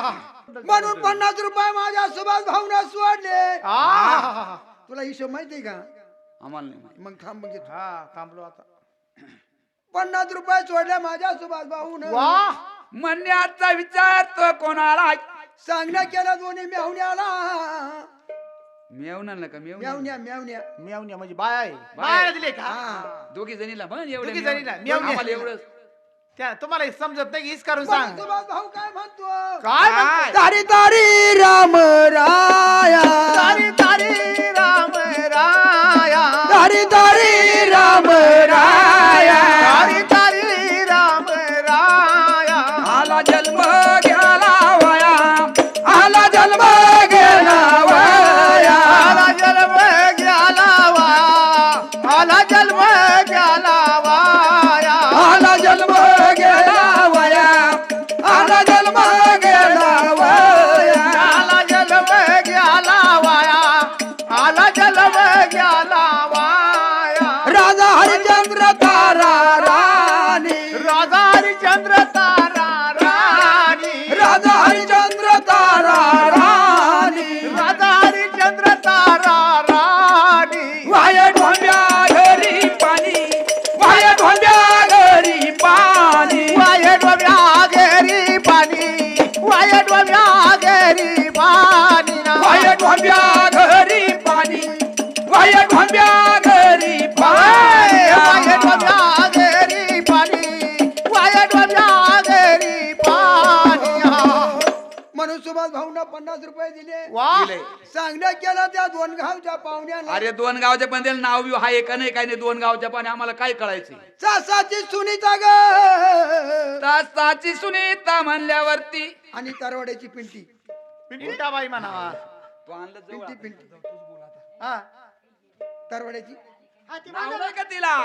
म्हणून 50 रुपये माझ्या सुभाष भाऊना सोडले. तुला हिशोब माहितीये का? आम्हाला नाही माहित. मग थांब घेतो. हा थांबलो आता. 50 रुपये सोडले माझ्या सुभाष भाऊन. वा म्हणण्याचा विचार तो कोणाला सांगण्या केलं दोन्ही मेवण्याला. मेवणार का मेवण्या मेवण्या मेवण्या म्हणजे बाय आहे. बाय. बाय दिले का? हा. दोघी जणीला पण एवढे दोघी जणीला, मेवणे. मेवणे. आम्हाला एवढं त्या तुम्हाला हे समजत नाही की हीच करून पण सांग. सुभाष भाऊ काय म्हणतो? काय म्हणतो? तारी तारी राम राया. तारी तारी राम राया. तारी तारी राम राया. तारी तारी राम राया. आला जन्म घ्याला वया आला जन्म गेला वया. आला जन्म गेला वाया. आला जन्म गेला वाया. आला जन्म गेला वया. आला जन्म गेला वया. आला जन्म गेला वाया. आला जन्म गेला वाया. राजा हरिचंद्र तारा राणी. राजा हरिचंद्र तारा राणी. राजा हरिचंद्र तारा राणी. राजा हरिचंद्र तारा राणी. वाय ढोंब्या घरी पाणी. वाय ढोंब्या घरी पाणी. वाय डोब्या गेरी पाणी. वाय डोब्या गेरी पाणी ना. वाय ढोंब्या घरी पाणी. वाय ढोंब्या घरी वाय पाणी. डोब्या गेरी पाणी. वाय डोब्या गेरी पाणी. म्हणून सुभाष भाऊंना 50 रुपये दिले. वा सांगण्या केलं त्या 2 गावच्या पाहुण्याला. अरे 2 गावच्या पण त्याला नाव बिव आहे का नाही काय नाही 2 गावच्या पण आम्हाला काय कळायचं सासाची सुनीता ग. तासाची सुनीता म्हणल्यावरती आणि तरवड्याची पिंटी. पिंटाबाई म्हणावा. तू आणलं जवळ पिंटी पिंटी हा. तरवड्याची. नाव नाही का तिला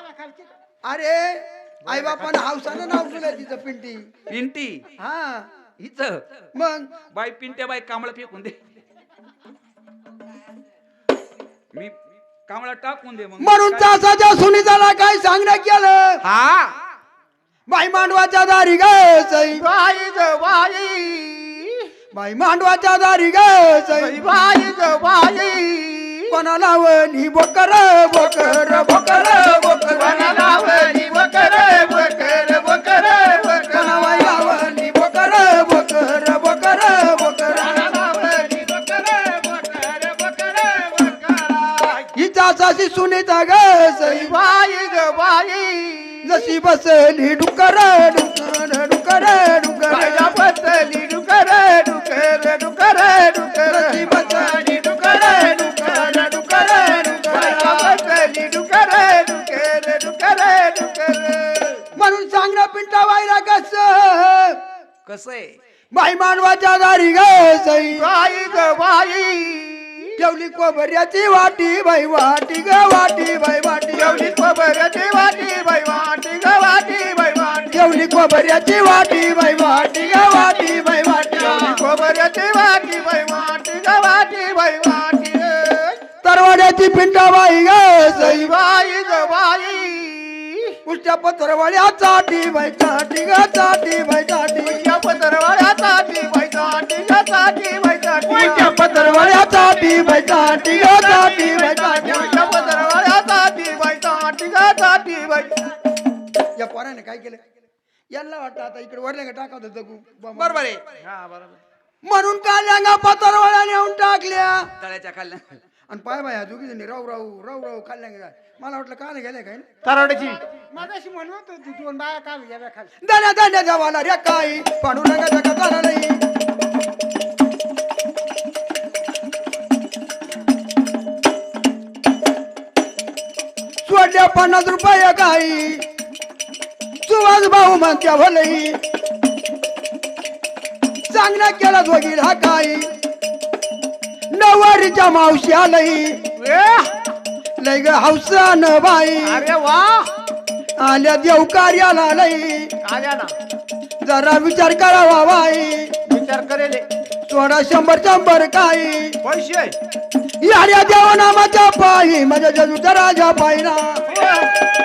अरे आई बापानं हावसानं नाव दिलं तिचं पिंटी. पिंटी हा हिच मग बाई पिंट्या बाई कांबळा फेकून दे मी कांबळा टाकून दे मग म्हणून तासाच्या सुनीताला काय सांगण्यात केलं. हा बाई मांडवाच्या दारी ग सई. बाई ग बाई. बाई मांडवाच्या दारी ग सई. बाई ग बाई. कोणाला वनी बोकर बोकर बोकर बोकर. वनालावली बकर बकर बकर बकर. कोणाला वनी बोकर बोकर बोकर बोकर. वनालावली बकर बकर बकर बकर. ही तासाची सुनीता ग सई. बाई ग बाई. जशी बसली डुकर डुकर डुकर डुकर. कायदा बसली डुकर डुकर डुकर डुकर. जशी बसली डुकर डुकर डुकर कायदा डुकर. बसली डुकर डुकर डुकर डुकर. म्हणून सांगणं पिंटा बाईला कस. कसं आहे बाई मानवाच्या दारी ग सई. बाई ग बाई. ठेवली कोबऱ्याची वाटी बाई वाटी ग वाटी बाई वाटी. जेवली खबरची वाटी बाई वाटी ग वाटी बाई वाटी. ठेवली कोबऱ्याची वाटी बाई वाटी ग वाटी बाई वाटी. खबरची वाटी बाई वाटी ग वाटी बाई वाटी. तरवाड्याची पिंटा बाई ग सई. बाई ग बाई. उष्ट्या पत्रवाड्या चाटी बाई चाटी ग चाटी बाई चाटी. या पत्रवाळ्या चाटी बाई चाटी ग चाटी बाई चाटी. उष्ट्या पत्रवाड्या चाटी बाई चाटी ग चाटी बाई चाटी. या पत्रवाळ्या चाटी बाई चाटी ग चाटी बाई. या पोराने काय केलं. यांना वाटतं आता इकडे वरल्या टाका होतं जगू. बरोबर आहे हा बरोबर. म्हणून काल्यांगा पत्रवाड्या नेऊन टाकल्या. तळ्याच्या खाल्ल्या आणि पाय बाय दोघी जणी राऊ राऊ राऊ राऊ खाल्ल्या काय. मला वाटलं का गेले काय. तरवड्याची. मगाशी म्हणत होती 2 बाया काल घ्याव्या खाली. दाण्या दाण्या जवाला रे काही पाडू नका जगा झाला नाही. सोडल्या 50 रुपये काही. सुभाष भाऊ म्हणत्या भलई. चांगला केला दोघीला काही. नवारीच्या मावशी आलई. लय ग हौसान बाई. अरे वा. आल्या देव कार्याला लई. आल्या ना. जरा विचार करावा बाई. विचार करेले. सोडा 100 काही. पैसे. याड्या देवनामाच्या पायी माझ्या जजूच्या राजा पायी ना.